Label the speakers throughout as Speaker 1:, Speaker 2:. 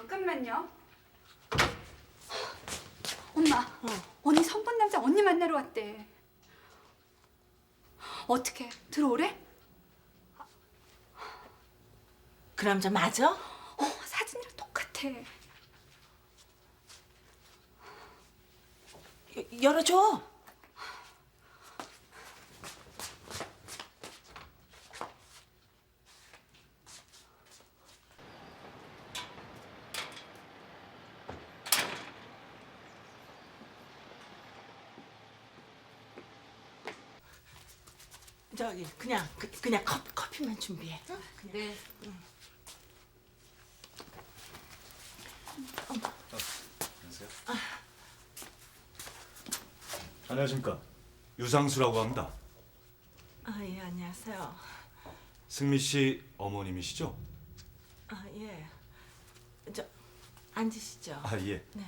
Speaker 1: 잠깐만요. 엄마, 언니 선본 남자 언니 만나러 왔대. 어떻게 들어오래?
Speaker 2: 그 남자 맞아?
Speaker 1: 사진이랑 똑같아.
Speaker 2: 열어줘. 저기 그냥 커피만 준비해. 응?
Speaker 1: 네.
Speaker 3: 안녕하세요. 안녕하십니까. 유상수라고 합니다.
Speaker 2: 아, 예, 안녕하세요.
Speaker 3: 승미 씨 어머님이시죠?
Speaker 2: 아, 예. 저 앉으시죠.
Speaker 3: 아, 예.
Speaker 2: 네.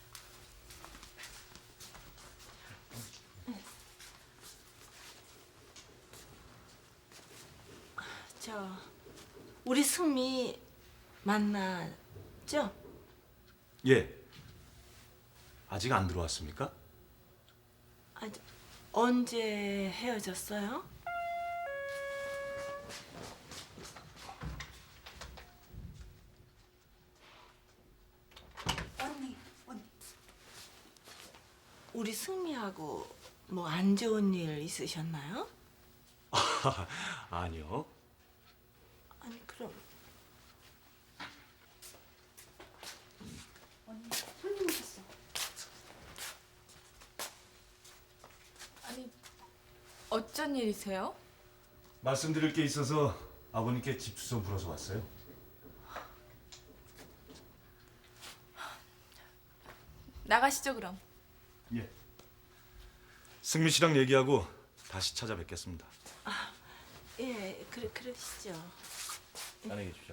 Speaker 2: 저 우리 승미 만나죠?
Speaker 3: 예. 아직 안 들어왔습니까?
Speaker 2: 아, 언제 헤어졌어요?
Speaker 1: 언니.
Speaker 2: 우리 승미하고 뭐 안 좋은 일 있으셨나요?
Speaker 3: 아니요.
Speaker 2: 아니 그럼
Speaker 1: 언니, 손님 오셨어.
Speaker 4: 아니, 어쩐 일이세요?
Speaker 3: 말씀드릴 게 있어서 아버님께 집 주소 물어서 왔어요.
Speaker 4: 나가시죠 그럼.
Speaker 3: 예. 승미 씨랑 얘기하고 다시 찾아뵙겠습니다.
Speaker 2: 예, 그러시죠.
Speaker 3: 안녕히 계십시오.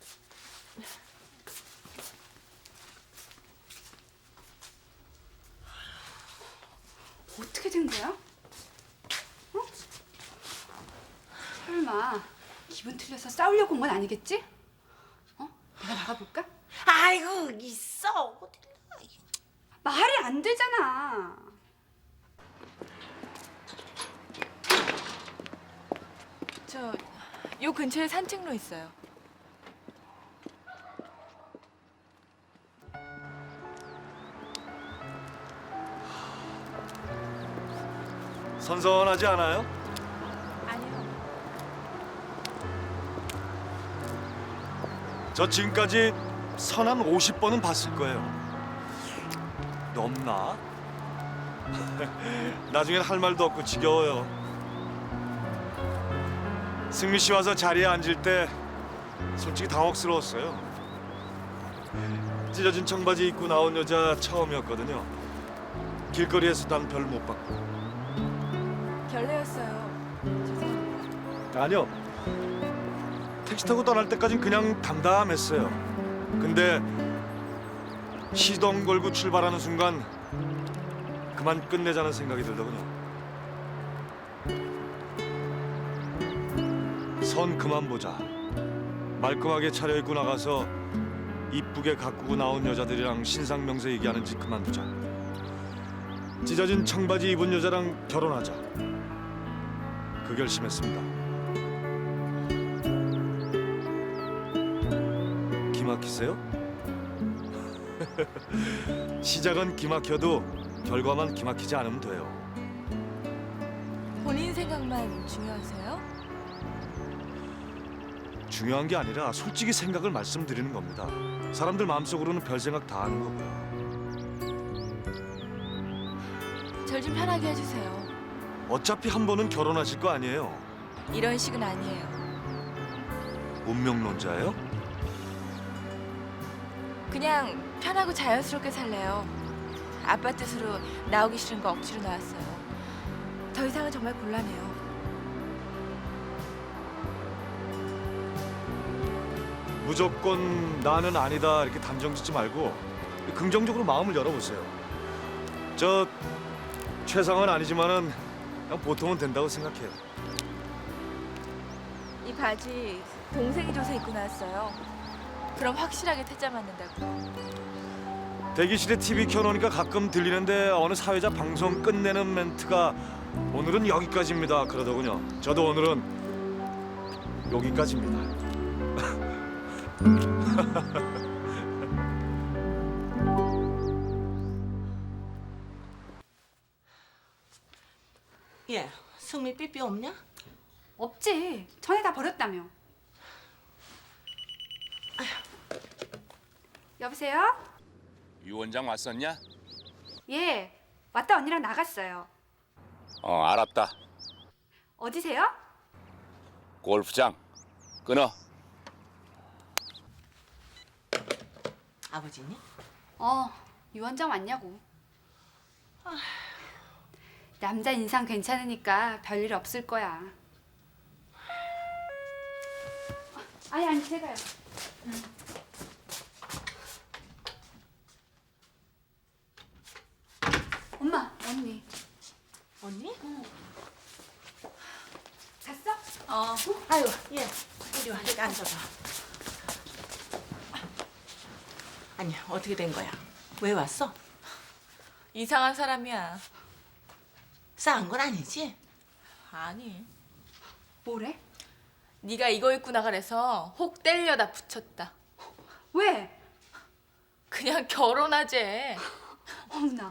Speaker 1: 어떻게 된 거야? 설마 기분 틀려서 싸우려고 온 건 아니겠지? 내가 나가볼까?
Speaker 2: 아이고 있어. 어디 가.
Speaker 1: 말이 안 되잖아.
Speaker 4: 저 요 근처에 산책로 있어요.
Speaker 3: 선선하지 않아요?
Speaker 4: 아니요.
Speaker 3: 저 지금까지 선 한 50번은 봤을 거예요. 넘나? 나중엔 할 말도 없고 지겨워요. 승미 씨 와서 자리에 앉을 때 솔직히 당혹스러웠어요. 찢어진 청바지 입고 나온 여자 처음이었거든요. 길거리에서 난 별 못 받고.
Speaker 4: 결례였어요. 죄송합니다.
Speaker 3: 아니요. 택시 타고 떠날 때까진 그냥 담담했어요. 근데 시동 걸고 출발하는 순간 그만 끝내자는 생각이 들더군요. 선 그만 보자. 말끔하게 차려입고 나가서 이쁘게 가꾸고 나온 여자들이랑 신상명세 얘기하는 짓 그만두자. 찢어진 청바지 입은 여자랑 결혼하자. 그 결심했습니다. 기막히세요? 시작은 기막혀도 결과만 기막히지 않으면 돼요.
Speaker 4: 본인 생각만 중요하세요?
Speaker 3: 중요한 게 아니라 솔직히 생각을 말씀드리는 겁니다. 사람들 마음속으로는 별 생각 다 하는 거고요.
Speaker 4: 절 좀 편하게 해주세요.
Speaker 3: 어차피 한 번은 결혼하실 거 아니에요.
Speaker 4: 이런 식은 아니에요.
Speaker 3: 운명론자예요?
Speaker 4: 그냥 편하고 자연스럽게 살래요. 아빠 뜻으로 나오기 싫은 거 억지로 나왔어요. 더 이상은 정말 곤란해요.
Speaker 3: 무조건 나는 아니다 이렇게 단정 짓지 말고 긍정적으로 마음을 열어보세요. 저 최상은 아니지만은 그냥 보통은 된다고 생각해요.
Speaker 4: 이 바지 동생이 줘서 입고 나왔어요. 그럼 확실하게 퇴짜 맞는다고.
Speaker 3: 대기실에 TV 켜놓으니까 가끔 들리는데 어느 사회자 방송 끝내는 멘트가 오늘은 여기까지입니다 그러더군요. 저도 오늘은 여기까지입니다.
Speaker 2: 예, 승미 삐삐 없냐?
Speaker 1: 없지. 전에 다 버렸다며. 여보세요?
Speaker 5: 유 원장 왔었냐?
Speaker 1: 예. 왔다 언니랑 나갔어요.
Speaker 5: 알았다.
Speaker 1: 어디세요?
Speaker 5: 골프장. 끊어.
Speaker 2: 아버지니?
Speaker 1: 유 원장 왔냐고. 남자 인상 괜찮으니까 별일 없을 거야. 아니 제가요. 엄마, 언니.
Speaker 2: 언니?
Speaker 1: 갔어?
Speaker 2: 아유, 예. 이리 와, 여기 앉아봐. 아니, 어떻게 된 거야? 왜 왔어?
Speaker 4: 이상한 사람이야.
Speaker 2: 싸운 건 아니지?
Speaker 4: 아니.
Speaker 1: 뭐래?
Speaker 4: 네가 이거 입고 나가래서 혹 때려다 붙였다.
Speaker 1: 왜?
Speaker 4: 그냥 결혼하재.
Speaker 1: 어머나.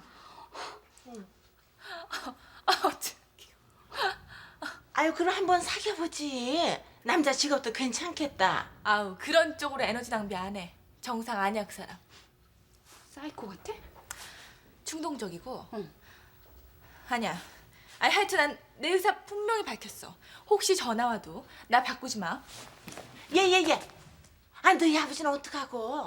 Speaker 2: 아유, 그럼 한번 사귀어보지. 남자 직업도 괜찮겠다.
Speaker 4: 아우 그런 쪽으로 에너지 낭비 안 해. 정상 아니야 그 사람.
Speaker 1: 사이코 같아?
Speaker 4: 충동적이고.
Speaker 1: 응.
Speaker 4: 아니야. 아니 하여튼 난 내 의사 분명히 밝혔어. 혹시 전화 와도 나 바꾸지 마.
Speaker 2: 예, 예, 예. 아, 너희 아버지는 어떡하고?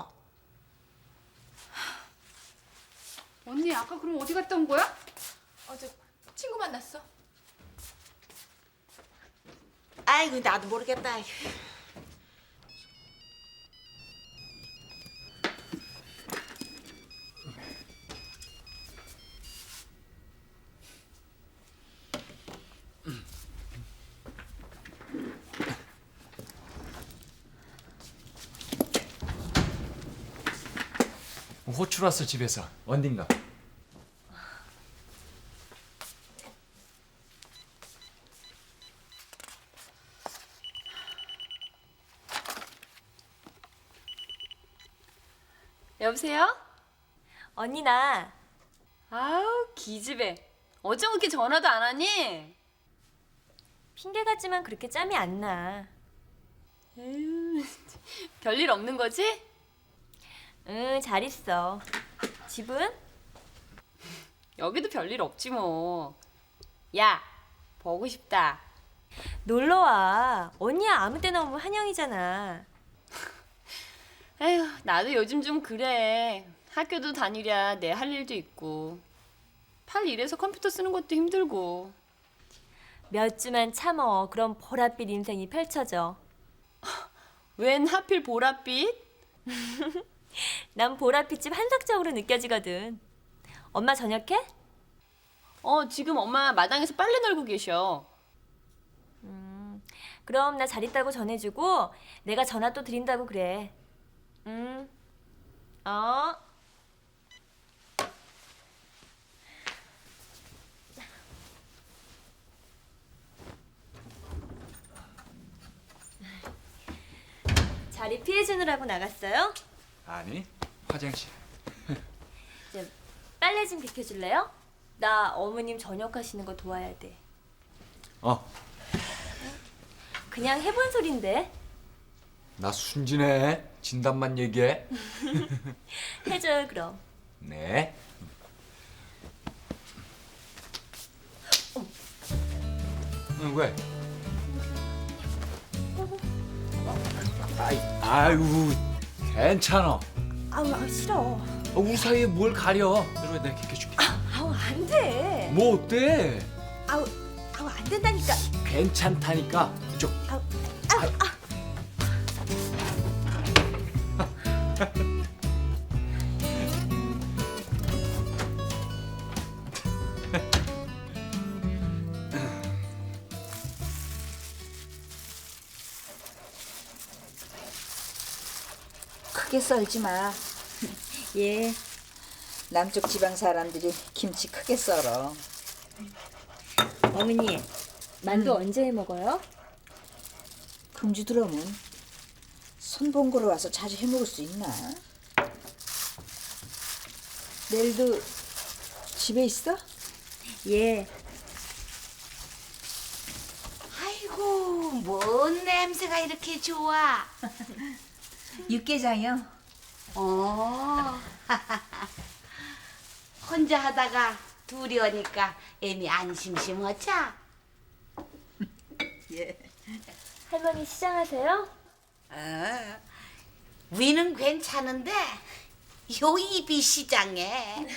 Speaker 1: 언니 아까 그럼 어디 갔다 온 거야?
Speaker 4: 어제 친구 만났어.
Speaker 2: 아이고, 나도 모르겠다.
Speaker 6: 호출 왔어 집에서. 언딘가.
Speaker 7: 여보세요?
Speaker 8: 언니 나
Speaker 7: 아우 기집애. 어제 그렇게 전화도 안 하니?
Speaker 8: 핑계 같지만 그렇게 짬이 안 나.
Speaker 7: 에휴, 별일 없는 거지?
Speaker 8: 응, 잘 있어. 집은?
Speaker 7: 여기도 별일 없지 뭐. 야, 보고 싶다.
Speaker 8: 놀러 와. 언니야 아무 때나 오면 환영이잖아.
Speaker 7: 에휴, 나도 요즘 좀 그래. 학교도 다니랴 내 할 일도 있고. 팔 일해서 컴퓨터 쓰는 것도 힘들고.
Speaker 8: 몇 주만 참어. 그럼 보랏빛 인생이 펼쳐져.
Speaker 7: 웬 하필 보랏빛?
Speaker 8: 난 보랏빛이 환상적으로 느껴지거든. 엄마 저녁해?
Speaker 7: 지금 엄마 마당에서 빨래 널고 계셔.
Speaker 8: 그럼 나 잘 있다고 전해주고 내가 전화 또 드린다고 그래. 어? 자리 피해주느라고 나갔어요?
Speaker 6: 아니, 화장실.
Speaker 8: 이제 빨래 좀 비켜줄래요? 나 어머님 저녁하시는 거 도와야 돼. 그냥 해본 소린데.
Speaker 6: 나 순진해. 진단만 얘기해.
Speaker 8: 해줘요 그럼.
Speaker 6: 네. 응, 왜? 아유, 괜찮아.
Speaker 8: 아우 싫어.
Speaker 6: 우리 사이에 뭘 가려? 이러면 내가 개켜줄게.
Speaker 8: 아우 안 돼.
Speaker 6: 뭐 어때?
Speaker 8: 아우 안 된다니까.
Speaker 6: 괜찮다니까. 이쪽.
Speaker 9: 크게 썰지 마.
Speaker 8: 예.
Speaker 9: 남쪽 지방 사람들이 김치 크게 썰어.
Speaker 8: 어머니, 만두 언제 해 먹어요?
Speaker 9: 금주 들어오면 손본거로 와서 자주 해먹을 수 있나? 내일도 집에 있어?
Speaker 8: 예.
Speaker 2: 아이고, 뭔 냄새가 이렇게 좋아?
Speaker 9: 육개장이요.
Speaker 2: 혼자 하다가 둘이 오니까 애미 안 심심하자?
Speaker 8: 할머니 시장하세요?
Speaker 2: 위는 괜찮은데 요 입이 시장에.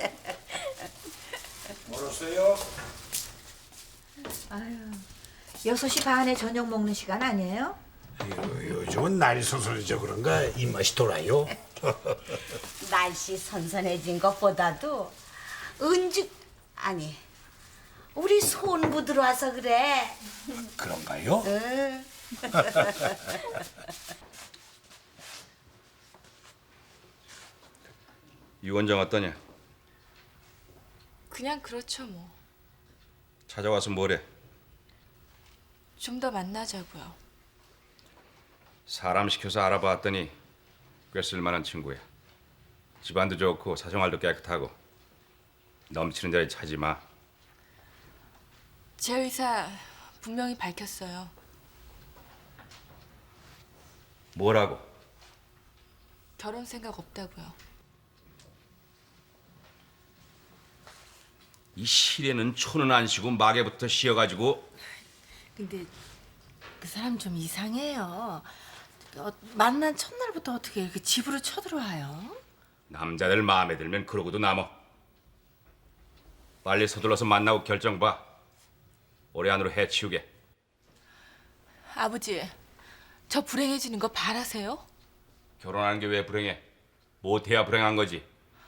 Speaker 9: 6시 반에 저녁 먹는 시간 아니에요?
Speaker 10: 요즘은 날이 선선해져 그런가 입맛이 돌아요.
Speaker 2: 날씨 선선해진 것보다도 우리 손부 들어와서 그래.
Speaker 10: 그런가요?
Speaker 2: 응.
Speaker 5: 유 원장 어떠냐?
Speaker 4: 그냥 그렇죠 뭐.
Speaker 5: 찾아와서 뭐래?
Speaker 4: 좀 더 만나자고요.
Speaker 5: 사람 시켜서 알아봤더니 꽤 쓸만한 친구야. 집안도 좋고 사생활도 깨끗하고 넘치는 자리 찾지 마.
Speaker 4: 제 의사 분명히 밝혔어요.
Speaker 5: 뭐라고?
Speaker 4: 결혼 생각 없다고요.
Speaker 5: 이 실에는 초는 안 쉬고 마개부터 씌어가지고.
Speaker 2: 근데 그 사람 좀 이상해요. 만난 첫날부터 어떻게 이렇게 집으로 쳐들어와요?
Speaker 5: 남자들 마음에 들면 그러고도 남어. 빨리 서둘러서 만나고 결정 봐. 올해 안으로 해치우게.
Speaker 4: 아버지, 저 불행해지는 거 바라세요?
Speaker 5: 결혼하는 게 왜 불행해? 못해야 불행한 거지.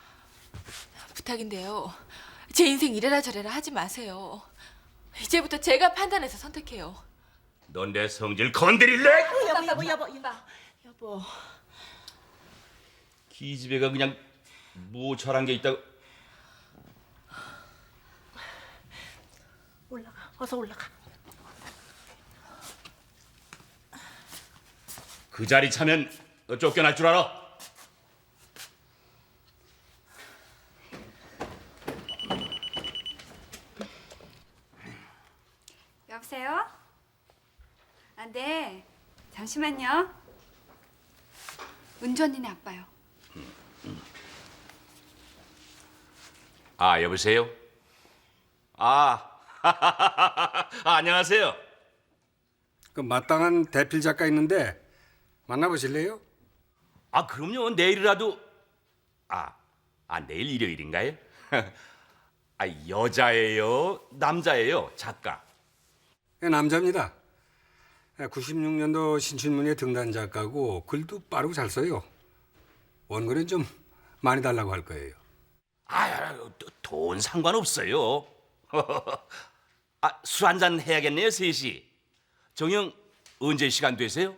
Speaker 4: 부탁인데요. 제 인생 이래라 저래라 하지 마세요. 이제부터 제가 판단해서 선택해요.
Speaker 5: 넌 내 성질 건드릴래?
Speaker 2: 여보.
Speaker 5: 기집애가 그냥 모처럼 게 있다고.
Speaker 2: 어서 올라가.
Speaker 5: 그 자리 차면 너 쫓겨날 줄 알아?
Speaker 1: 여보세요? 아, 네. 잠시만요. 은주 언니네 아빠요.
Speaker 5: 아, 여보세요? 아, 안녕하세요.
Speaker 10: 그 마땅한 대필 작가 있는데 만나보실래요?
Speaker 5: 아, 그럼요. 내일이라도. 내일 일요일인가요? 아, 여자예요? 남자예요? 작가.
Speaker 10: 네, 남자입니다. 96년도 신춘문예 등단 작가고 글도 빠르고 잘 써요. 원고는 좀 많이 달라고 할 거예요.
Speaker 5: 돈 상관없어요. 술 한잔 해야겠네요, 셋이. 정영, 언제 시간 되세요?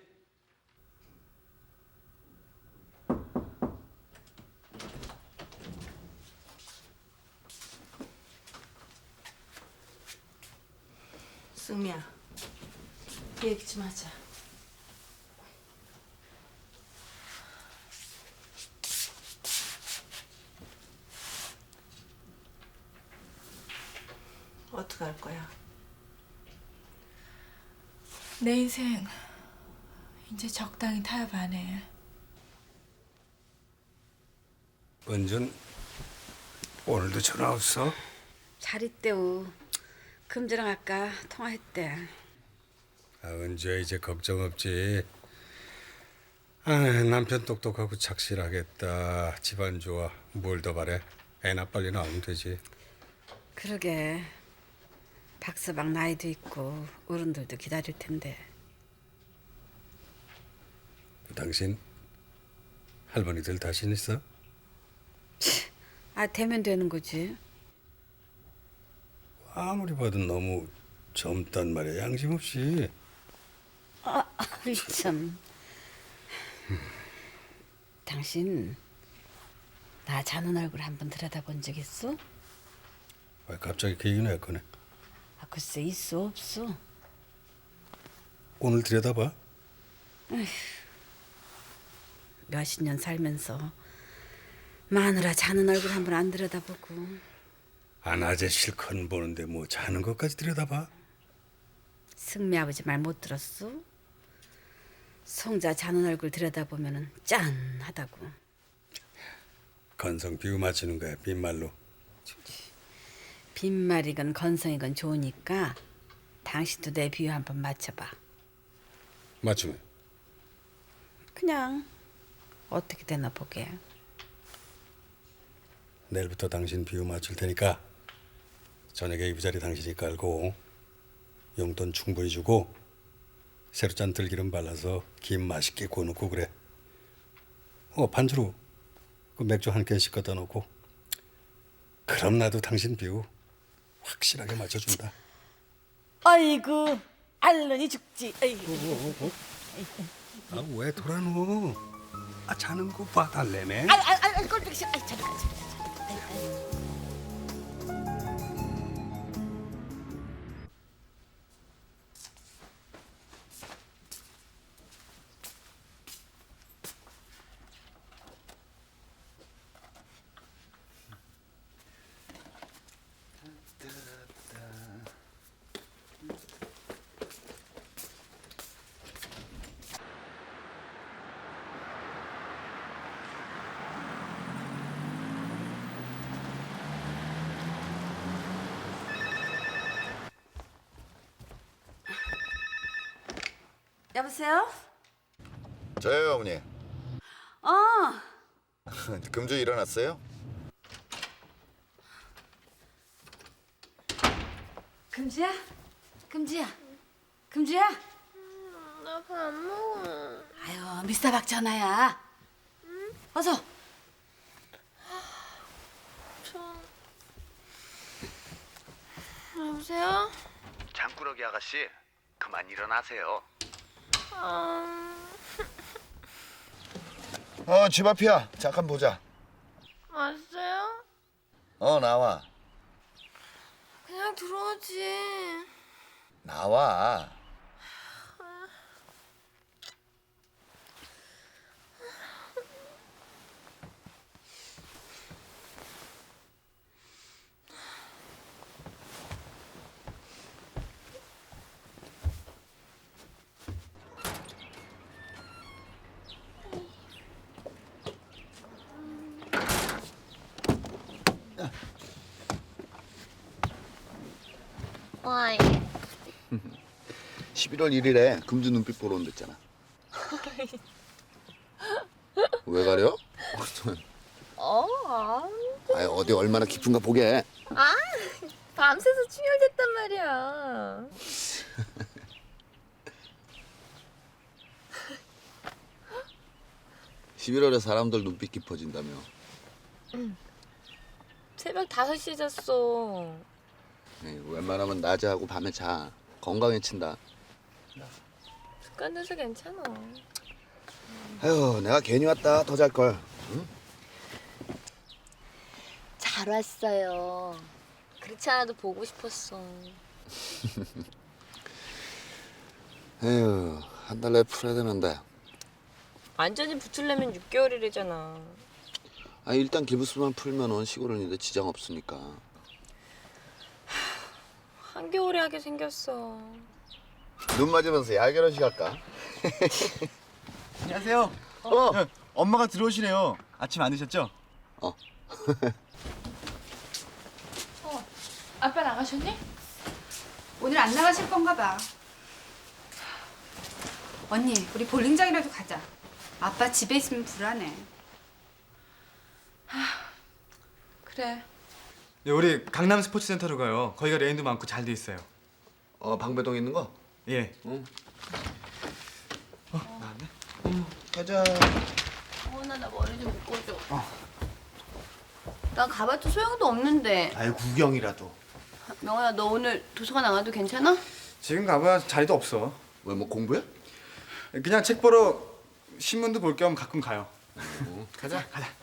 Speaker 2: 승미야, 얘기 좀 하자. 어떻게 할 거야?
Speaker 4: 내 인생 이제 적당히 타협 안 해.
Speaker 10: 은준 오늘도 전화 없어?
Speaker 1: 잘 있대우. 금주랑 아까 통화했대.
Speaker 10: 은주야 이제 걱정 없지. 남편 똑똑하고 착실하겠다. 집안 좋아. 뭘 더 바래? 애나 빨리 나오면 되지.
Speaker 1: 그러게. 박서방 나이도 있고 어른들도 기다릴 텐데.
Speaker 10: 당신 할머니들 다신 있어?
Speaker 1: 되면 되는 거지.
Speaker 10: 아무리 봐도 너무 젊단 말이야. 양심 없이.
Speaker 1: 참.
Speaker 9: 당신 나 자는 얼굴 한번 들여다본 적 있어?
Speaker 10: 왜 갑자기 그 얘기는 왜 꺼내?
Speaker 9: 아, 글쎄 있어 없어?
Speaker 10: 오늘 들여다봐.
Speaker 9: 몇십 년 살면서 마누라 자는 얼굴 한번 안 들여다보고.
Speaker 10: 아나제 실컷 보는데 뭐 자는 것까지 들여다봐?
Speaker 9: 승미 아버지 말 못 들었어? 송자 자는 얼굴 들여다보면은 짠하다고.
Speaker 10: 건성 비유 맞추는 거야 빈말로.
Speaker 9: 빈말이건 건성이건 좋으니까 당신도 내 비유 한번 맞춰봐.
Speaker 10: 맞추면
Speaker 9: 그냥 어떻게 되나 보게.
Speaker 10: 내일부터 당신 비유 맞출 테니까 저녁에 이부자리 당신이 깔고 용돈 충분히 주고 새로 짠 들기름 발라서 김 맛있게 구워놓고 그래. 반주로 그 맥주 한 캔씩 갖다 놓고. 그럼 나도 당신 비유 확실하게 맞춰준다.
Speaker 9: 아이고 알른이 죽지. 아이고.
Speaker 10: 아, 왜 돌아누워? 자는 거 봐달래네.
Speaker 9: 꼴보기 싫어. 저리 가. 여보세요?
Speaker 11: 저요, 어머니.
Speaker 9: 어.
Speaker 11: 금주 일어났어요?
Speaker 1: 금지야? 금지야? 금지야?
Speaker 8: 나 밥 안 먹어.
Speaker 1: 아유, 미스터박 전화야. 어서.
Speaker 8: 여보세요?
Speaker 11: 장꾸러기 아가씨, 그만 일어나세요. 집 앞이야. 잠깐 보자.
Speaker 8: 왔어요?
Speaker 11: 나와.
Speaker 8: 그냥 들어오지.
Speaker 11: 나와.
Speaker 8: 와이.
Speaker 11: 11월 1일에 금주 눈빛 보러 온댔잖아. 왜 가려? 아니, 어디 얼마나 깊은가 보게.
Speaker 8: 밤새서 충혈됐단 말이야.
Speaker 11: (11월에) 사람들 눈빛 깊어진다며.
Speaker 8: 새벽 5시에 잤어.
Speaker 11: 웬만하면 낮에 하고 밤에 자. 건강에 친다.
Speaker 8: 습관돼서 괜찮아.
Speaker 11: 아휴, 내가 괜히 왔다. 더 잘걸. 응?
Speaker 8: 잘 왔어요. 그렇지 않아도 보고 싶었어.
Speaker 11: 에휴, 한 달 내에 풀어야 되는데.
Speaker 8: 완전히 붙으려면 6개월이래잖아.
Speaker 11: 일단 기부수만 풀면은 시골은인데 지장 없으니까.
Speaker 8: 한겨울에 하게 생겼어.
Speaker 11: 눈 맞으면서 야결혼식 할까?
Speaker 12: 안녕하세요. 엄마가 들어오시네요. 아침 안 드셨죠?
Speaker 1: 아빠 나가셨니? 오늘 안 나가실 건가 봐. 언니, 우리 볼링장이라도 가자. 아빠 집에 있으면 불안해. 그래.
Speaker 12: 네, 우리 강남 스포츠센터로 가요. 거기가 레인도 많고 잘 돼 있어요.
Speaker 11: 방배동에 있는 거?
Speaker 12: 예.
Speaker 11: 응.
Speaker 12: 나왔네.
Speaker 11: 가자.
Speaker 8: 나 머리 좀 묶어줘. 나 가봤자 소용도 없는데.
Speaker 12: 아유, 구경이라도.
Speaker 8: 명호야, 너 오늘 도서관 안 와도 괜찮아?
Speaker 12: 지금 가봐야 자리도 없어.
Speaker 11: 왜, 뭐 공부해?
Speaker 12: 그냥 책 보러 신문도 볼 겸 가끔 가요. 가자. 가자.